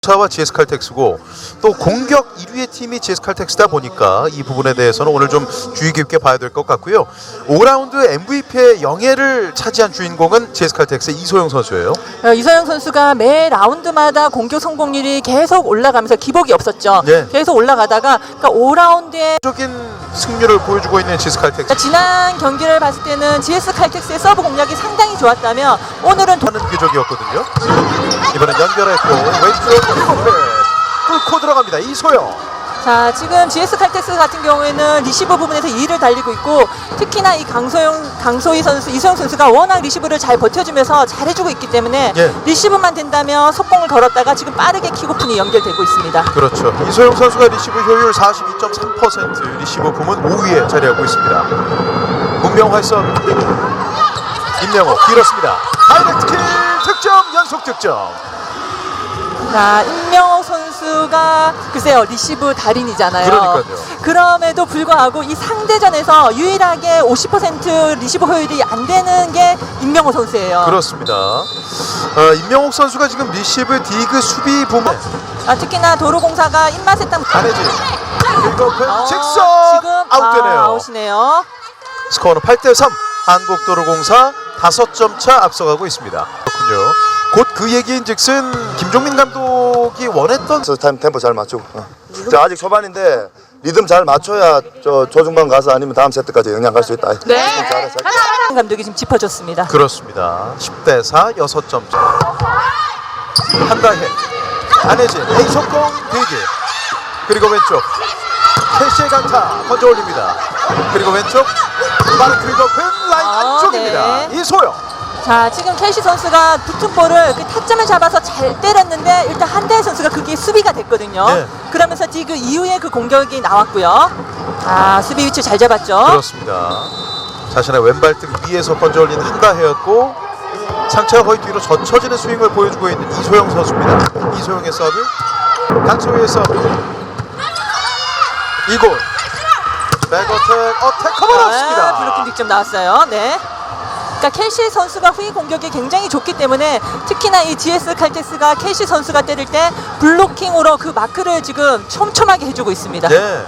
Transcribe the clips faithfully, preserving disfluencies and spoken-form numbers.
사와 지에스칼텍스고 또 공격 일 위의 팀이 지에스칼텍스다 보니까 이 부분에 대해서는 오늘 좀 주의 깊게 봐야 될 것 같고요. 오 라운드 엠브이피의 영예를 차지한 주인공은 지에스칼텍스의 이소영 선수예요. 어, 이소영 선수가 매 라운드마다 공격 성공률이 계속 올라가면서 기복이 없었죠. 네. 계속 올라가다가 그러니까 오 라운드에 적인 승률을 보여주고 있는 지에스칼텍스. 그러니까 지난 경기를 봤을 때는 지에스칼텍스의 서브 공략이 상당히 좋았다면 오늘은 도... 하는 궤적이었거든요. 이번엔 연결했고 왼쪽 뚫고 들어갑니다. 이소영. 자, 지금 지에스칼텍스 같은 경우에는 리시브 부분에서 이 위를 달리고 있고 특히나 이 강소영, 강소희 선수, 이소영 선수가 워낙 리시브를 잘 버텨주면서 잘해주고 있기 때문에 예. 리시브만 된다면 속공을 걸었다가 지금 빠르게 킥오픈이 연결되고 있습니다. 그렇죠. 이소영 선수가 리시브 효율 사십이 점 삼 퍼센트, 리시브 부문 오 위에 자리하고 있습니다. 문명화 서브. 임명호 길었습니다. 다이렉트 킬 득점, 연속 득점. 자, 임명호 선수가 글쎄요 리시브 달인이잖아요. 그러니까요. 그럼에도 불구하고 이 상대전에서 유일하게 오십 퍼센트 리시브 효율이 안 되는 게 임명호 선수예요. 그렇습니다. 어, 임명옥 선수가 지금 리시브, 디그, 수비 부문. 아, 특히나 도로공사가 입맛에 딱 안혜진 긁어픈 어, 직선 지금 아웃되네요. 아, 아웃이네요. 스코어는 팔 대 삼. 한국도로공사 다섯 점 차 앞서가고 있습니다. 그렇군요. 곧 그 얘기인즉슨 김종민 감독이 원했던 타임 템포 잘 맞추고. 어. 자, 아직 초반인데 리듬 잘 맞춰야 저 조중반 가서 아니면 다음 세트까지 영향 갈 수 있다. 네. 잘해, 잘해. 감독이 지금 짚어줬습니다. 그렇습니다. 십 대 사 여섯 점 차. 한다혜 안혜진 A 속공 대기 그리고 왼쪽 캐시의 강타 먼저 올립니다. 그리고 왼쪽 빠른 긁어픈 라인 아, 안쪽입니다. 네. 이소영. 자, 지금 캐시 선수가 붙은 볼을 그 타점을 잡아서 잘 때렸는데 일단 한대희 선수가 그게 수비가 됐거든요. 네. 그러면서 디그 이후에 그 공격이 나왔고요. 아, 수비 위치 잘 잡았죠. 그렇습니다. 자신의 왼발등 위에서 번져 올린 한다혜였고 상체가 거의 뒤로 젖혀지는 스윙을 보여주고 있는 이소영 선수입니다. 이소영의 서브, 강소희의 서브. 이골 백어택 어택 커버였습니다. 아, 블로킹 득점 나왔어요. 네. 그러니까 캐시 선수가 후위 공격이 굉장히 좋기 때문에 특히나 이 지에스칼텍스가 캐시 선수가 때릴 때 블로킹으로 그 마크를 지금 촘촘하게 해주고 있습니다. 네.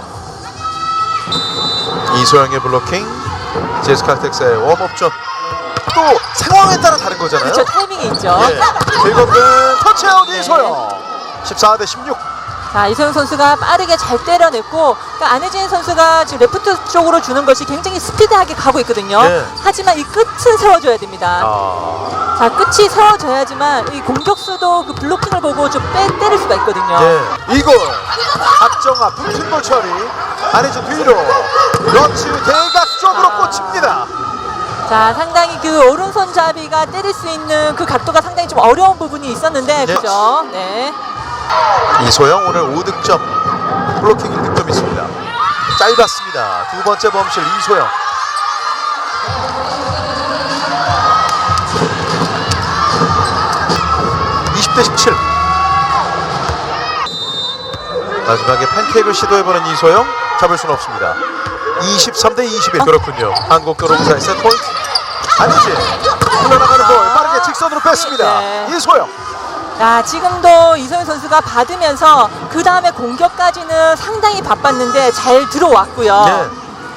이소영의 블로킹, 지에스칼텍스의 웜업전. 또 상황에 따라 다른 거잖아요. 그렇죠. 타이밍이 있죠. 예. 즐겁은 터치아웃 네. 이소영. 십사 대 십육. 자, 이소영 선수가 빠르게 잘 때려냈고 그러니까 안혜진 선수가 지금 레프트 쪽으로 주는 것이 굉장히 스피드하게 가고 있거든요. 네. 하지만 이 끝은 세워줘야 됩니다. 아. 자, 끝이 세워져야지만 이 공격수도 그 블로킹을 보고 좀 빼, 때릴 수가 있거든요. 예. 이골 박정아 붙은 볼 처리. 안혜진 뒤로 러치 대각 쪽으로 아. 꽂힙니다. 자, 상당히 그 오른손잡이가 때릴 수 있는 그 각도가 상당히 좀 어려운 부분이 있었는데 네. 그죠? 네. 이소영 오늘 오 득점, 블로킹 일 득점 있습니다. 짧았습니다. 두 번째 범실 이소영. 이십 대 십칠. 마지막에 팬케이크를 시도해보는 이소영, 잡을 수는 없습니다. 이십삼 대 이십일. 그렇군요. 한국도로공사의 세트포인트. 아니지. 흘러나가는 볼 빠르게 직선으로 뺐습니다. 네. 이소영. 자, 지금도 이소영 선수가 받으면서 그 다음에 공격까지는 상당히 바빴는데 잘 들어왔고요. 네.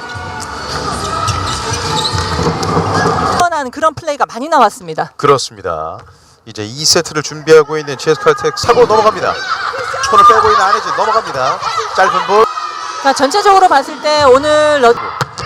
한 그런 플레이가 많이 나왔습니다. 그렇습니다. 이제 이 세트를 준비하고 있는 지에스칼텍스 사고 넘어갑니다. 손을 빼고 있는 안혜진 넘어갑니다. 짧은 볼. 자, 전체적으로 봤을 때 오늘 러...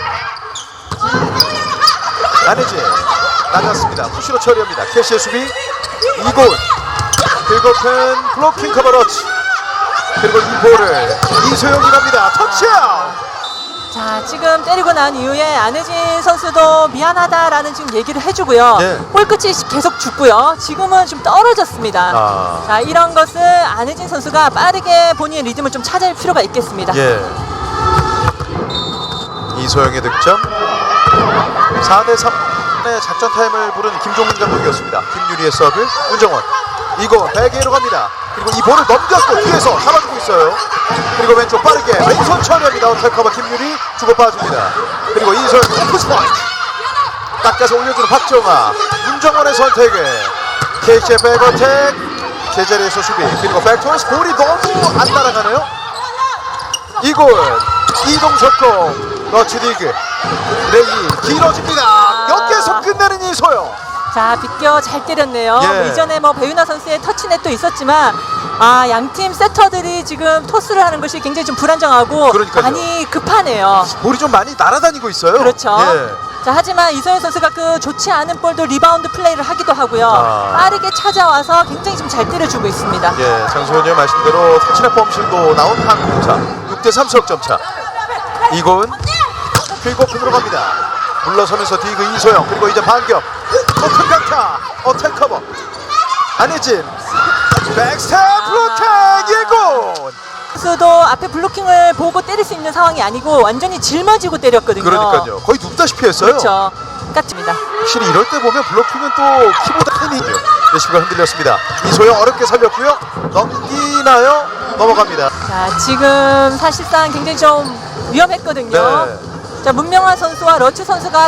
안혜진 낮았습니다. 푸시로 처리합니다. 캐시의 수비. 이골 긁어픈 블로킹 커버러치. 그리고 이 볼을 이소영이 갑니다. 터치아웃. 자, 지금 때리고 난 이후에 안혜진 선수도 미안하다라는 지금 얘기를 해주고요. 네. 볼 끝이 계속 죽고요. 지금은 좀 떨어졌습니다. 아. 자, 이런 것을 안혜진 선수가 빠르게 본인의 리듬을 좀 찾을 필요가 있겠습니다. 예. 이소영의 득점. 사 대 삼의 작전 타임을 부른 김종민 감독이었습니다. 김유리의 서브. 문정원. 이거 베개로 갑니다. 그리고 이 볼을 넘겼고 뒤에서 잡아주고 있어요. 그리고 왼쪽 빠르게 왼손 처리합니다. 어택 커버 김유리 주고 빠집니다. 그리고 이소영 푸스포인트 닦아서 올려주는 박정아. 문정원의 선택에 케이씨의 백어택 제자리에서 수비 그리고 백토스 볼이 너무 안 날아가네요. 이골 이동 속공 러치 디그 레이 길어집니다. 여기에서 끝내는 이소영. 자, 비껴 잘 때렸네요. 예. 뭐 이전에 뭐 배윤아 선수의 터치넷도 있었지만 아, 양팀 세터들이 지금 토스를 하는 것이 굉장히 좀 불안정하고 그러니까요. 많이 급하네요. 볼이 좀 많이 날아다니고 있어요. 그렇죠. 예. 자, 하지만 이소영 선수가 그 좋지 않은 볼도 리바운드 플레이를 하기도 하고요. 아. 빠르게 찾아와서 굉장히 좀 잘 때려주고 있습니다. 예, 장소연님 말씀대로 터치넷 범실도 나온 한국차 육 대 삼 석점차. 이건 킬고 들어갑니다. 물러서면서 디그 이소영 그리고 이제 반격 오픈 강타 어택 커버 안혜진 백스텝 블로킹 일골. 선수도 앞에 블로킹을 보고 때릴 수 있는 상황이 아니고 완전히 짊어지고 때렸거든요. 그러니까요. 거의 눕다시피 했어요. 그렇죠. 까칩니다. 확실히 이럴 때 보면 블로킹은 또 키보드 팬이죠. 레시브가 흔들렸습니다. 이소영 어렵게 살렸고요. 넘기나요? 넘어갑니다. 자, 지금 사실상 굉장히 좀 위험했거든요. 네. 자, 문명환 선수와 러츠 선수가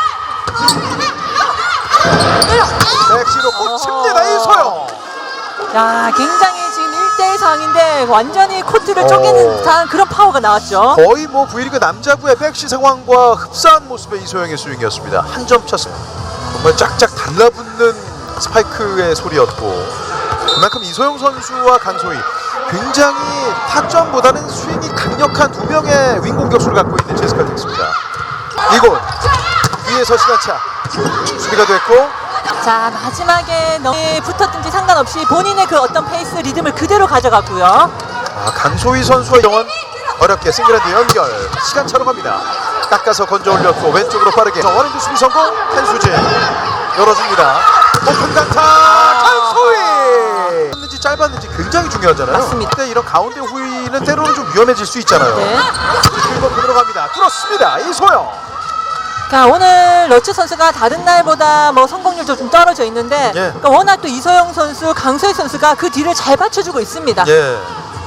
백시로 꽂힙니다. 이소영. 야, 굉장히 지금 일 대 일 상황인데 완전히 코트를 오. 쪼개는 듯한 그런 파워가 나왔죠. 거의 뭐 V리그 남자부의 백시 상황과 흡사한 모습의 이소영의 스윙이었습니다. 한 점 차 정말 짝짝 달라붙는 스파이크의 소리였고 그만큼 이소영 선수와 강소희 굉장히 타점보다는 스윙이 강력한 두 명의 윙 공격수를 갖고 있는 제스칼텍스입니다. 이곳 위에서 시간차 수비가 됐고 자, 마지막에 너무 붙었든지 상관없이 본인의 그 어떤 페이스 리듬을 그대로 가져갔고요. 아, 강소희 선수와 영원 어렵게 싱글핸드 연결 시간차로 갑니다. 깎아서 건져 올렸고 왼쪽으로 빠르게 원핸드 수비 성공. 한수진 열어줍니다. 오픈 강타 강소희. 짧았는지 짧았는지 굉장히 중요하잖아요. 맞습니다. 근데 이런 가운데 후위는 때로는 좀 위험해질 수 있잖아요. 네. 그리고 그대로 갑니다. 뚫었습니다. 이소영. 자, 오늘 러츠 선수가 다른 날보다 뭐 성공률도 좀 떨어져 있는데 예. 그러니까 워낙 또 이소영 선수, 강소희 선수가 그 뒤를 잘 받쳐주고 있습니다. 예.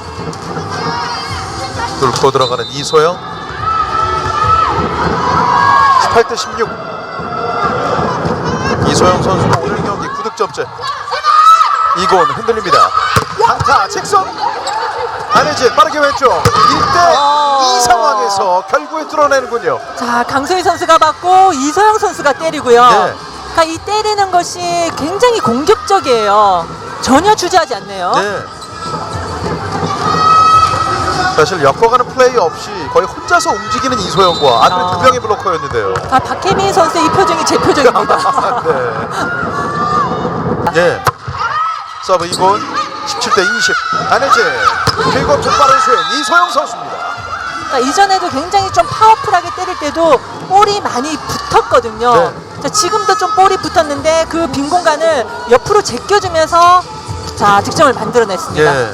뚫고 들어가는 이소영. 십팔 대 십육. 이소영 선수가 오늘 경기 구 득점째. 이곤 흔들립니다. 강타 직선. 안혜진 빠르게 왼쪽. 일 대 이 상황에서 결국에 뚫어내는군요. 자, 강소희 선수가 받고 이소영 선수가 때리고요. 네. 그러니까 이 때리는 것이 굉장히 공격적이에요. 전혀 주저하지 않네요. 네. 사실 엮어가는 플레이 없이 거의 혼자서 움직이는 이소영과 앞에 아. 두 명의 블로커였는데요. 아, 박혜민 선수의 이 표정이 제 표정입니다. 네. 예. 서브 이곤 십칠 대 이십. 안혜진 그리고 좀 빠른 스윙 이소영 선수입니다. 그러니까 이전에도 굉장히 좀 파워풀하게 때릴 때도 볼이 많이 붙었거든요. 네. 자, 지금도 좀 볼이 붙었는데 그 빈 공간을 옆으로 제껴주면서 자, 득점을 만들어냈습니다. 예.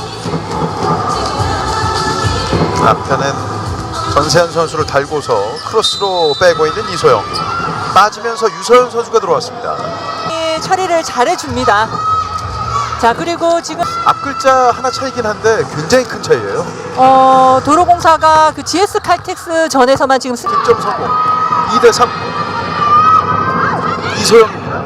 앞편은 전세현 선수를 달고서 크로스로 빼고 있는 이소영. 빠지면서 유서연 선수가 들어왔습니다. 이 처리를 잘해줍니다. 자, 그리고 지금 앞 글자 하나 차이긴 한데 굉장히 큰 차이예요. 어, 도로공사가 그 지에스 칼텍스 전에서만 지금 스... 득점 성공. 이 대 삼. 이소영입니다.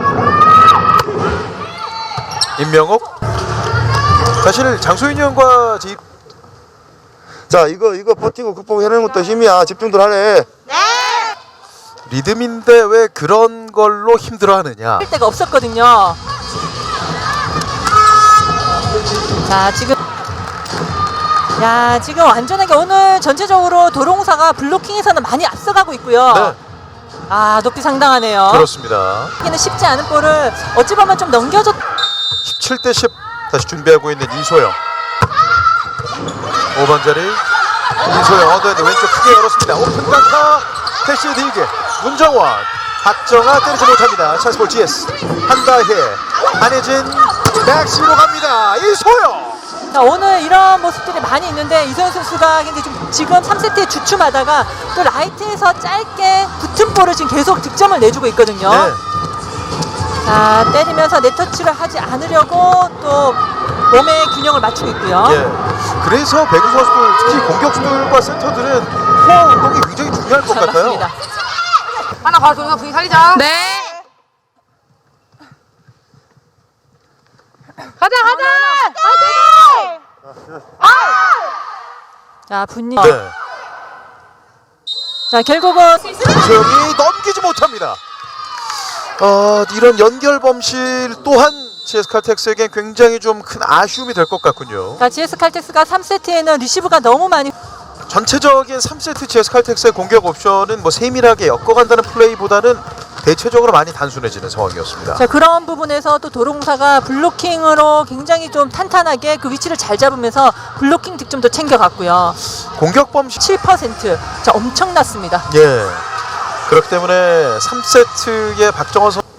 임명옥. 사실 장소윤 형과 집 자, 이거 이거 버티고 극복해내는 것도 힘이야. 집중들 하래. 리듬인데 왜 그런 걸로 힘들어하느냐. 할 데가 없었거든요. 자, 지금 야, 지금 완전하게 오늘 전체적으로 도로공사가 블로킹에서는 많이 앞서가고 있고요. 네, 아, 높이 상당하네요. 그렇습니다. 이는 쉽지 않은 볼을 어찌 보면 좀 넘겨줬. 십칠 대 십. 다시 준비하고 있는 이소영. 오 번 자리 이소영 얻어야 왼쪽 크게 열었습니다. 오픈 강타 캐시 딜게 문정원 박정아 때리지 못합니다. 찬스볼 지에스 한다혜 안혜진 백시로 갑니다. 이소영. 자, 오늘 이런 모습들이 많이 있는데 이소영 선수가 굉장히 좀 지금 삼 세트에 주춤하다가 또 라이트에서 짧게 붙은 볼을 지금 계속 득점을 내주고 있거든요. 네. 자, 때리면서 네터치를 하지 않으려고 또 몸의 균형을 맞추고 있고요. 예. 그래서 배구 선수들 특히 공격수들과 센터들은 코어 운동이 굉장히 중요할 것 자, 같아요. 맞습니다. 하나 가서 분위기 살리자. 네. 가자 가자. 자 분위기. 네. 자 결국은 이소영이 넘기지 못합니다. 어, 이런 연결 범실 또한 지에스칼텍스에겐 굉장히 좀 큰 아쉬움이 될 것 같군요. 자 지에스 칼텍스가 삼 세트에는 리시브가 너무 많이. 전체적인 삼 세트 지에스칼텍스의 공격 옵션은 뭐 세밀하게 엮어간다는 플레이보다는 대체적으로 많이 단순해지는 상황이었습니다. 자 그런 부분에서 또 도로공사가 블로킹으로 굉장히 좀 탄탄하게 그 위치를 잘 잡으면서 블로킹 득점도 챙겨갔고요. 공격 범실 칠 퍼센트. 자 엄청났습니다. 예. 그렇기 때문에 삼 세트의 박정원 선수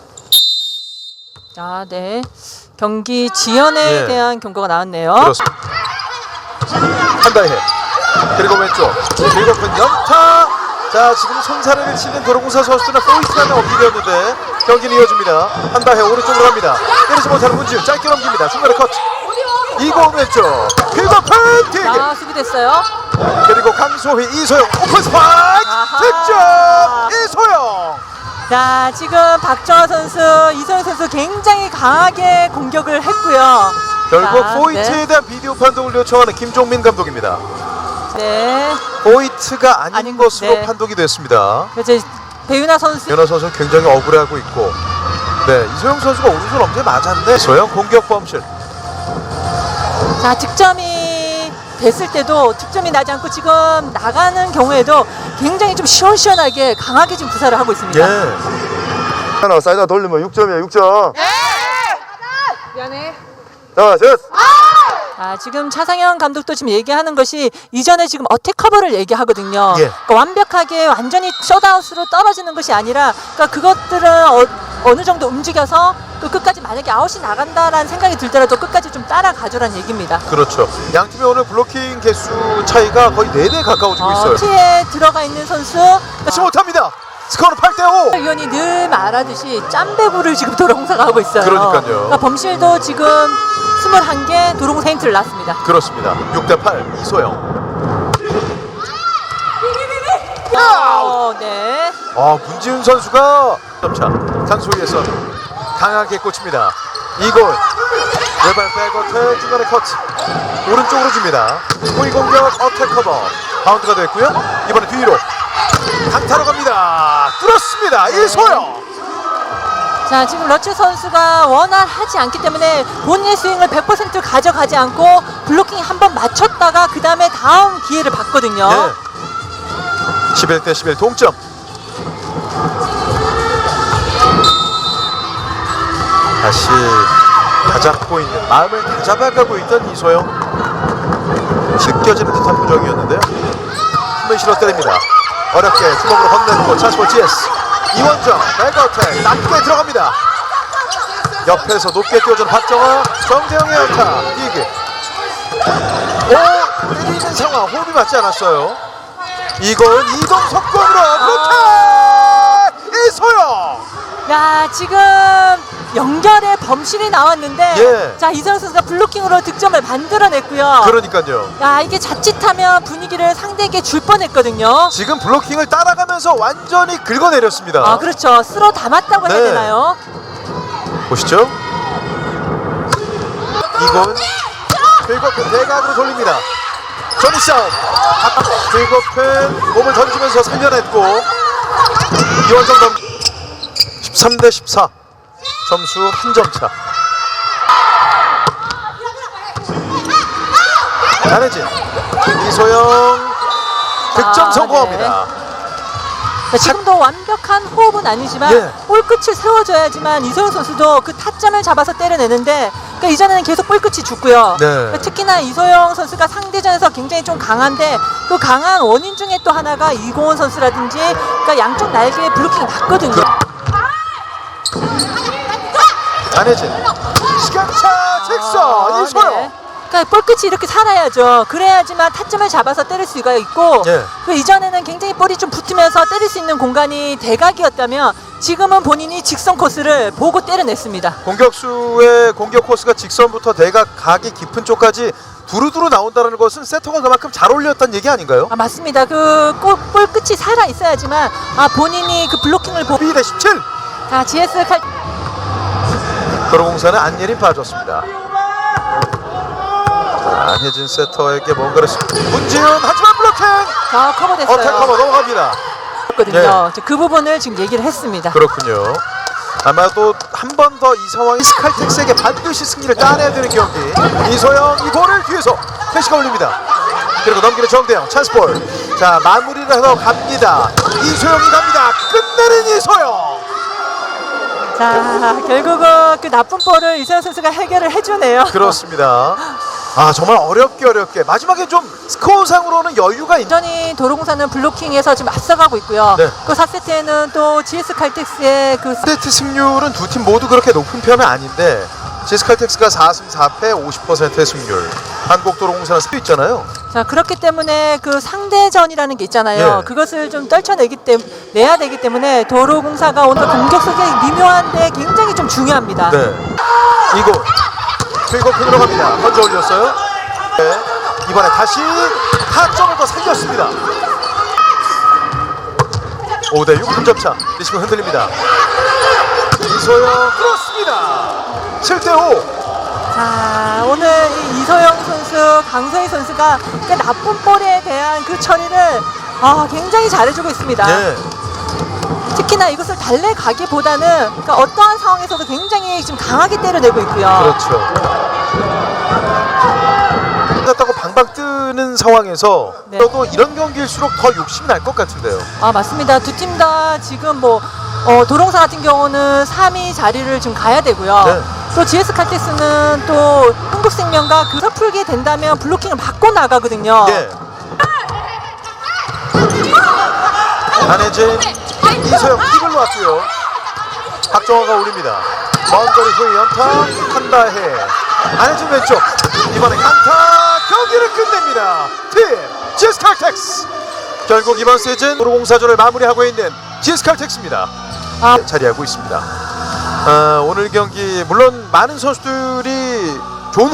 아, 네. 경기 지연에 예. 대한 경고가 나왔네요. 그렇습니다. 한다해 그리고 왼쪽 그리고 그 연타. 자 지금 손사래를 치는 도로공사 선수들은 포인트가 넘기려는데 경기는 이어집니다. 한다해 오른쪽으로 갑니다. 때리지 못하는 문지훈 짧게 넘깁니다. 중간에 컷. 이고 왼쪽 그리고 펜팅 아, 수비됐어요. 그리고 강소희 이소영 오픈 스파이크 아하. 득점 이소영. 자, 지금 박정화 선수, 이소영 선수 굉장히 강하게 공격을 했고요. 결국 자, 포인트에 네. 대한 비디오 판독을 요청하는 김종민 감독입니다. 네. 포인트가 아닌 아닌- 것으로 네. 판독이 됐습니다. 이제 배윤아 선수. 연하 선수는 굉장히 억울해하고 있고, 네 이소영 선수가 오른손 엄지에 맞았는데 이소영 공격 범실. 자, 득점이 됐을 때도 득점이 나지 않고 지금 나가는 경우에도 굉장히 좀 시원시원하게 강하게 지금 구사를 하고 있습니다. 예. 하나 사이다 돌리면 육 점이야 육 점. 미안해. 자, 셋. 아, 지금 차상현 감독도 지금 얘기하는 것이 이전에 지금 어택 커버를 얘기하거든요. 예. 그러니까 완벽하게 완전히 셧아웃으로 떨어지는 것이 아니라 그러니까 그것들은 어, 어느 정도 움직여서 또 끝까지 만약에 아웃이 나간다라는 생각이 들더라도 끝까지 좀 따라가줘라는 얘기입니다. 그렇죠. 양 팀의 오늘 블로킹 개수 차이가 거의 네 배 가까워지고 있어요. 어, 티에 들어가 있는 선수 하지 못합니다. 스코어는 팔 대 오. 의원이 늘 말하듯이 짬배구를 지금 도로공사가 하고 있어요. 그러니까요. 그러니까 범실도 지금 이십일 개 도로공사 힌트를 놨습니다. 그렇습니다. 육 대 팔 이소영. 어, 네. 아 문지훈 선수가 점차 강소희에서 강하게 꽂힙니다. 이골 외발 백어택 중간에 컷 오른쪽으로 줍니다. 호위 공격 어택 커버 바운드가 됐고요. 이번에 뒤로 강타로 갑니다. 뚫었습니다. 이소영. 자, 지금 러츠 선수가 원활하지 않기 때문에 본인의 스윙을 백 퍼센트 가져가지 않고 블로킹 한 번 맞췄다가 그 다음에 다음 기회를 봤거든요. 네. 십일 대 십일 동점. 다시 다잡고 있는 마음을 다잡아가고 있던 이소영. 느껴지는 듯한 표정이었는데요. 힘을 실어 때립니다. 어렵게 주먹으로 건네고 찬스볼 지에스. 이원정 백어택 낮게 들어갑니다. 옆에서 높게 띄워주는 박정화. 정재영의 연타 이기. 오 때리는 상황 호흡이 맞지 않았어요. 이건 이동 속공으로 블로킹 이소영. 야, 지금 연결에 범실이 나왔는데 예. 자, 이소영 선수가 블로킹으로 득점을 만들어냈고요. 그러니까요. 야, 이게 자칫하면 분위기를 상대에게 줄 뻔했거든요. 지금 블로킹을 따라가면서 완전히 긁어내렸습니다. 아, 그렇죠. 쓸어 담았다고 해야 네. 되나요? 보시죠. 이건 들고픈 대각으로 돌립니다. 조니 싸움. 들고픈 몸을 던지면서 살려냈고 이원정 넘 십삼 대 십사. 점수 한 점 차. 안혜진 이소영 득점 아, 성공합니다. 자, 지금도 완벽한 호흡은 아니지만 예. 볼끝을 세워줘야지만 이소영 선수도 그 타점을 잡아서 때려내는데 그러니까 이전에는 계속 볼끝이 죽고요. 네. 그러니까 특히나 이소영 선수가 상대전에서 굉장히 좀 강한데 그 강한 원인 중에 또 하나가 이고은 선수라든지 그러니까 양쪽 날개에 블로킹이 났거든요. 안혜진 시간차 직선 이소영. 네. 그러니까 볼끝이 이렇게 살아야죠. 그래야지만 타점을 잡아서 때릴 수가 있고 예. 그 이전에는 굉장히 볼이 좀 붙으면서 때릴 수 있는 공간이 대각이었다면 지금은 본인이 직선 코스를 보고 때려냈습니다. 공격수의 공격 코스가 직선부터 대각 각이 깊은 쪽까지 두루두루 나온다는 것은 세터가 그만큼 잘 어울렸다는 얘기 아닌가요? 아, 맞습니다. 그 골, 볼 끝이 살아 있어야지만 아 본인이 그 블로킹을 보고 이 대 십칠. 자 지에스 칼 도로공사는 안예린 빠졌습니다. 자, 안혜진 세터에게 뭔가를 문지훈 하지만 블로킹. 자, 커버됐어요. 어택 커버 넘어갑니다. 거든요. 그 부분을 지금 얘기를 했습니다. 그렇군요. 아마도 한 번 더 이 상황이 스칼텍스에게 반드시 승리를 따내야 되는 경기. 이소영 이 볼을 뒤에서 캐시가 올립니다. 그리고 넘기는 정대영 찬스볼. 자, 마무리를 하러 갑니다. 이소영이 갑니다. 끝내는 이소영. 자, 결국은 그 나쁜 볼을 이소영 선수가 해결을 해주네요. 그렇습니다. 아, 정말 어렵게 어렵게 마지막에 좀 스코어상으로는 여유가 있는. 여전히 도로공사는 블로킹에서 지금 앞서가고 있고요. 네. 그 사 세트에는 또 지에스 칼텍스의 그 세트 승률은 두 팀 모두 그렇게 높은 편은 아닌데 지에스칼텍스가 사 승 사 패 오십 퍼센트의 승률, 한국도로공사는 수도 있잖아요. 자, 그렇기 때문에 그 상대전이라는 게 있잖아요. 네. 그것을 좀 떨쳐내기 때문에 내야 되기 때문에 도로공사가 오늘 공격 속에 미묘한데 굉장히 좀 중요합니다. 네. 이곳 킬고핀으로 갑니다. 먼저 올렸어요. 네. 이번에 다시 타점을 더 살렸습니다. 오 대 육 분점차. 리시브 흔들립니다. 이소영 그렇습니다. 칠 대 오. 자, 오늘 이 이소영 선수, 강소희 선수가 그 나쁜 볼에 대한 그 처리를 아, 굉장히 잘해주고 있습니다. 네. 특히나 이것을 달래가기보다는 그러니까 어떠한 상황에서도 굉장히 지금 강하게 때려내고 있고요. 그렇죠. 다고 방방 뜨는 상황에서 네. 또 이런 경기일수록 더 욕심이 날 것 같은데요. 아, 맞습니다. 두 팀 다 지금 뭐 어, 도롱사 같은 경우는 삼 위 자리를 좀 가야 되고요. 네. 또 지에스 칼텍스는 또 흥국생명과 그 풀게 된다면 블로킹을 받고 나가거든요. 예. 안혜진, 이소영 킥을 놓았고요. 박정화가 올립니다. 먼 거리 후에 연타 한다해. 안혜진 왼쪽. 이번에 강타 경기를 끝냅니다. 팀 지에스칼텍스. 결국 이번 시즌 도로공사전을 마무리하고 있는 지에스칼텍스입니다. 아. 자리하고 있습니다. 아, 오늘 경기 물론 많은 선수들이